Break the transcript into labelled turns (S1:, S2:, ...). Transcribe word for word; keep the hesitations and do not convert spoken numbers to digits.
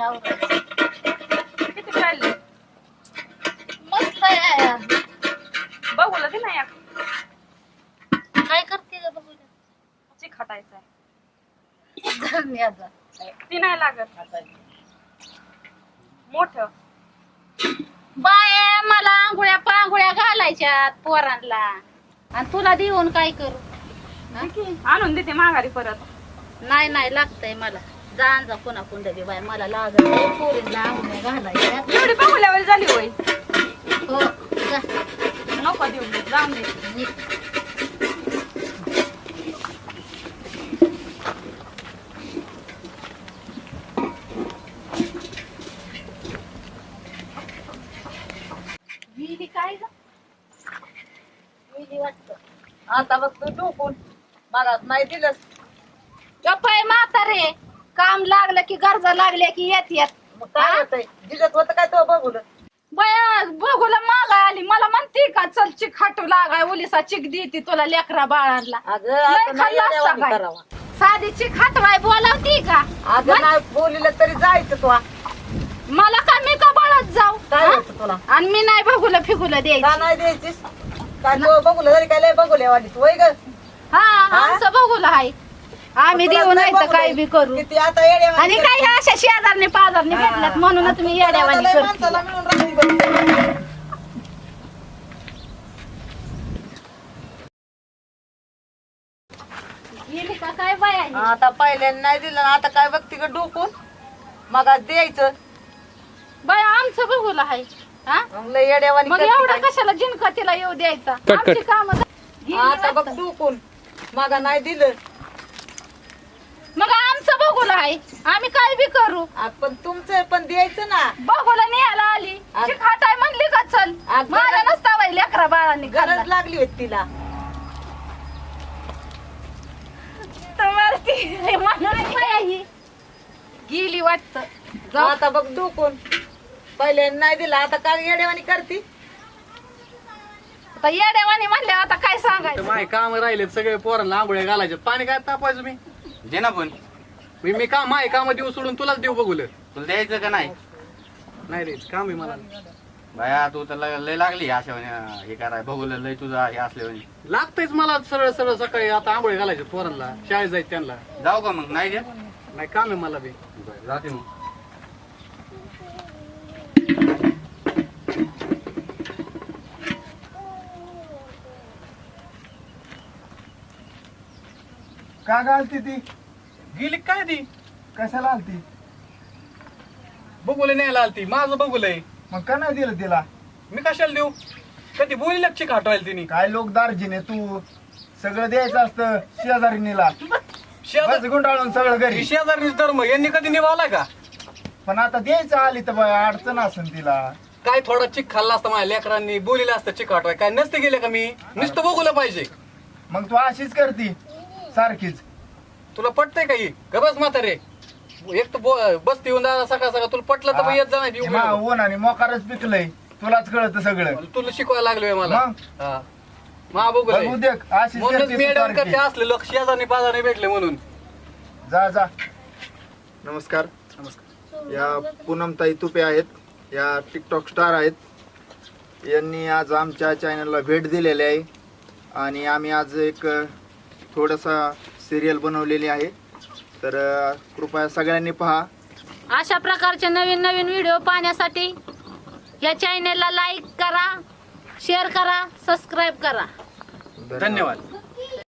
S1: आवरायचं.
S2: किती चालले
S1: मस्त आहे.
S2: बघूला की नाही
S1: काय करते ग बघू
S2: चिक हटायचं आहे
S1: धन्यवाद.
S2: ती नाही लागत मोठ
S1: बाय मला आंघोळ्या पांघोळ्या घालायच्यात पोरांना आणि तुला देऊन काय करू?
S2: आणून देते माघारी परत.
S1: नाही नाही लागतंय मला. जा जा पुन्हा कुंडली बाय मला लागत पोरींना आंघोळ्या घालायच्या.
S2: एवढी बघूल्यावर झाली होय.
S1: हो जा
S2: नको देऊ जाऊन दे.
S1: निघ. गेली काय ग? गेली वाटतं.
S3: आता बघ तू डोकून मला नाही दिलंस.
S1: गप्पाय म्हातारे काम लागलं की गरजा लागल्या की येत येत.
S3: मग काय होतंय दिसत होतं काय तो बघून.
S1: बया बघूला मागा आली मला म्हणते का चल चिक खाटू लागाय ओलिसा चिक देते तुला लेकरा बाळांना.
S3: अगं
S1: लय
S3: आता नाही
S1: खाल्लं असतं
S3: येड्यावानी
S1: काय?
S3: करावा.
S1: साधी चिक खाटवाय बोलावती का?
S3: अगं नाही बोलिलं तरी जायचं तू.
S1: मला का मी का बळत जाऊ
S3: काय
S1: हा?
S3: होतं तुला
S1: आणि मी नाही बघूला फिगुला
S3: का
S1: द्यायची.
S3: नाही द्यायचीस काय तो बघूलं तरी काय लय बघूले वाटत वय ग.
S1: हा आमचं बघूला हाय आम्ही
S3: तुला
S1: देऊ
S3: नाही
S1: नाही तर
S3: बघूले.
S1: काय बी करू.
S3: किती आता येड्यावानी
S1: आणि काय ह्या अशा शेजारने पाजारने भेटल्यात म्हणून तुम्ही येड्यावानी
S3: लय
S1: करते.
S3: माणसाला मिळून राहिली बघ.
S1: गेली का काय बाय आहे?
S3: आता पहिल्याने नाही दिलं आता काय बघती ग डोकून मग आज द्यायचं.
S1: बाय आमचं बघूला हाय हा
S3: मग लय येड्यावानी
S1: मग
S3: करते
S1: एवढा
S3: काय.
S1: कशाला जिनका तिला येऊ द्यायचा?
S4: कट,
S1: आमची
S4: कट.
S1: काम
S3: आता बघ डोकून मग नाही दिलं.
S1: मग आमचं बघूला आहे आम्ही काय बी करू.
S3: आ, पण तुमचं पण द्यायचं ना.
S1: बघूला न्यायला आली
S3: आज-
S1: चिक खाटाय म्हणली का चल
S3: आज
S1: माझ्या
S3: गरज-
S1: नसता बाई लेकरा बाळांनी
S3: गरज
S1: खाल्ला.
S3: लागली होती तिला.
S1: तर वरती म्हणाली बाई ही. गेली वाटत जाऊ.
S3: आता बघ डोकून पहिल्याने नाही दिला आता काय येड्यावानी करती.
S1: आता येड्यावानी म्हणले आता काय सांगायचं.
S4: माय काम राहिले सगळे पोरांना आंघोळ्या घालायचे पाणी काय तापायचं मी
S5: दे ना पण
S4: मी मी काम माय काम देऊ सोडून तुलाच देऊ बघूलं.
S5: तुला द्यायचं का नाही?
S4: नाही रे काम आहे मला.
S5: बाया तू तर लय लय लागली अशा म्हणे हे कराय बघूला लय तुझा हे असले म्हणे.
S4: लागतंयच मला सरळ सरळ सकाळी आता आंघोळ्या घालायचे पोरांना शाळेत जायचं त्यांना.
S5: जाऊ का मग? नाही द्या
S4: नाही काम आहे मला बी.
S5: जाते मग.
S6: का घालती ती?
S4: गेली काय ती
S6: कशाला आलती?
S4: बघूले न्यायला आलती माझं बघूलय.
S6: मग का नाही दिलं तिला?
S4: मी कशाला देऊ? कधी बोली लक्ष खाटवायला तिने.
S6: काय लोक दार्जिने तू सगळं द्यायचं असतं शेजारीनीला.
S4: शेजार
S6: बस गुंडाळून सगळं घरी.
S4: शेजारीच धर्म यांनी कधी निभावलाय का?
S6: पण आता द्यायचं आली तर बाय अडचण असेल तिला.
S4: काय थोडा चिक खाल्ला असता माझ्या लेकरांनी बोलीला असतं चिक खाटवाय काय नसते गेले का मी नुसतं बघूला पाहिजे.
S6: मग तू अशीच करती सारखीच.
S4: तुला पटतंय का ही गबस म्हातारे एक तर बो- बसती येऊन दादा सकाळ सकाळ तुला पटलं तर मग येत जा नाही
S6: मा ऊन आणि मोकारच पिकलंय तुलाच कळत सगळं.
S4: तुला शिकवायला लागलोय मला.
S6: मग?
S4: हा. मा बघू
S6: बघ उद्या अशीच
S4: म्हणूनच
S6: करते
S4: मी
S6: तू
S4: अडवण
S6: सारखी.
S4: करते असले लोक शेजारने पाजारने भेटले म्हणून.
S6: जा जा. नमस्कार.
S4: नमस्कार.
S6: या पूनमताई तुपे आहेत या टिकटॉक स्टार आहेत. यांनी आज आमच्या चॅनलला भेट दिलेली आहे आणि आम्ही आज एक थोडासा सिरियल बनवलेली आहे तर कृपया सगळ्यांनी पहा.
S1: अशा प्रकारचे नवीन नवीन व्हिडिओ पाहण्यासाठी या चॅनेलला लाईक करा शेअर करा सबस्क्राईब करा.
S4: धन्यवाद.